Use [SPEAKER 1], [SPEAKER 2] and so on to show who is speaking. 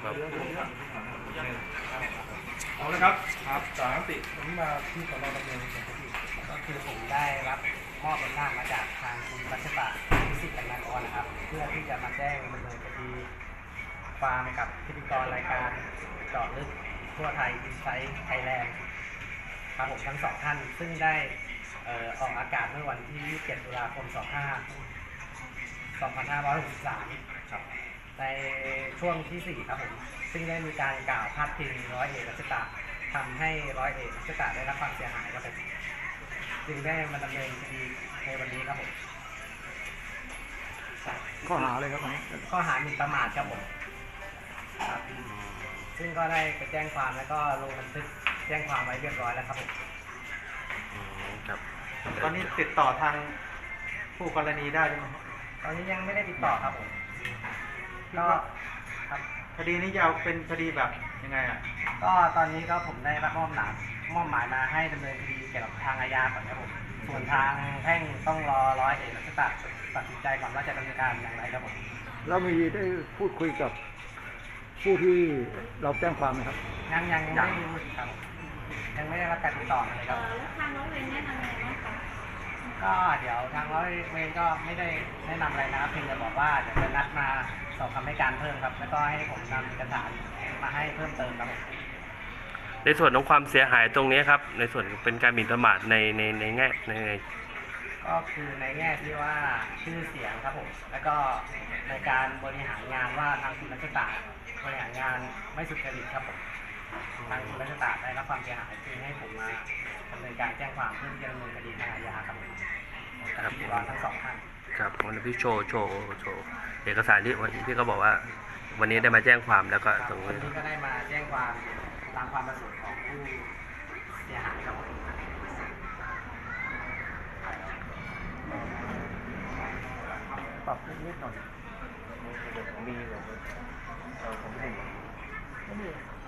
[SPEAKER 1] ครับ
[SPEAKER 2] เอาละครับครับ3 4วันนี้มาที่สน.ดำเนินคดี
[SPEAKER 3] ก็คือผมได้รับมอบอำนาจมาจากทางคุณรัชตะพิสิทธิ์กันนากรนะครับเพื่อที่จะมาแจ้งดำเนินคดีความกับพิธีกรรายการเจาะลึกทั่วไทยอินไซต์ไทยแลนด์ครับผมทั้งสองท่านซึ่งได้ออกอากาศเมื่อวันที่27 ตุลาคม 2563ครับในช่วงที่ 4 ครับผมซึ่งได้มีการกล่าวพาดพิงร้อยเอกรัชตะทำให้ร้อยเอกรัชตะได้รับความเสียหายครับผมจึงได้มาดำเนินคดีในวันนี้ครับผม
[SPEAKER 1] ข้อหาอะไรครับ
[SPEAKER 3] ข้อหาหมิ่นประมาทครับผมครับซึ่งก็ได้ไปแจ้งความแล้วก็ลงบันทึกแจ้งความไว้เรียบร้อยแล้วครับผม
[SPEAKER 1] ครับ
[SPEAKER 2] ตอนนี้ติดต่อทางผู้กรณีได้ไหม
[SPEAKER 3] ตอนนี้ยังไม่ได้ติดต่อครับผมก็ครับ
[SPEAKER 2] คดีนี้ยาวเป็นคดีแบบยังไงอ่ะ
[SPEAKER 3] ก็ตอนนี้ก็ผมได้รับมอบหมายมาให้ดำเนินคดีเกี่ยวกับทางอาญาก่อนครับผมส่วนทางแพ่งต้องรอร้อยเอกรัชตะตัดสินใจก่อนว่าจะดำเนินการอย่างไรครับผม
[SPEAKER 1] แล้วมีได้พูดคุยกับผู้ที่เราแจ้งความไหมครับ
[SPEAKER 3] ยังไม่ได้รู้ครับผมยังไม่ได้รับการติดต่อมาเลยครับ
[SPEAKER 4] แล้วทางน้องเรนแนะนำอะไรบ้างคะ
[SPEAKER 3] ก็เดี๋ยวทางร้อยเวรก็ไม่ได้แนะนำอะไรนะครับเพียงแต่บอกว่าเดี๋ยวจะนัดมาสอบคำให้การเพิ่มครับแล้วก็ให้ผมนำเอกสารมาให้เพิ่มเติมครับผม
[SPEAKER 5] ในส่วนของความเสียหายตรงนี้ครับในส่วนเป็นการหมิ่นประมาทในแง่ใน
[SPEAKER 3] ก็คือในแง่ที่ว่าชื่อเสียงครับผมแล้วก็ในการบริหารงานว่าทางคุณรัชตะบริหารงานไม่สุจริตครับผมทางคุณรัชตะได้รับความเสียหายจึงให้ผมมาดำเนินการแจ้งความเพื่อจะดำเนินคดีทางอาญาครับผมกับพิธีกรทั้งสองท่าน
[SPEAKER 5] ครับวันนี้พี่โชว์เอกสารที่วันนี้พี่ก็บอกว่า วันนี้ได้มาแจ้งความแล้วก็ตรง
[SPEAKER 3] วัน
[SPEAKER 5] นี้
[SPEAKER 3] นี้ก็ได้มาแจ้งความตามความประสงค์ของผู้เสียหายครับผม
[SPEAKER 1] ปรับนิดหน่อย
[SPEAKER 2] มีผมไม่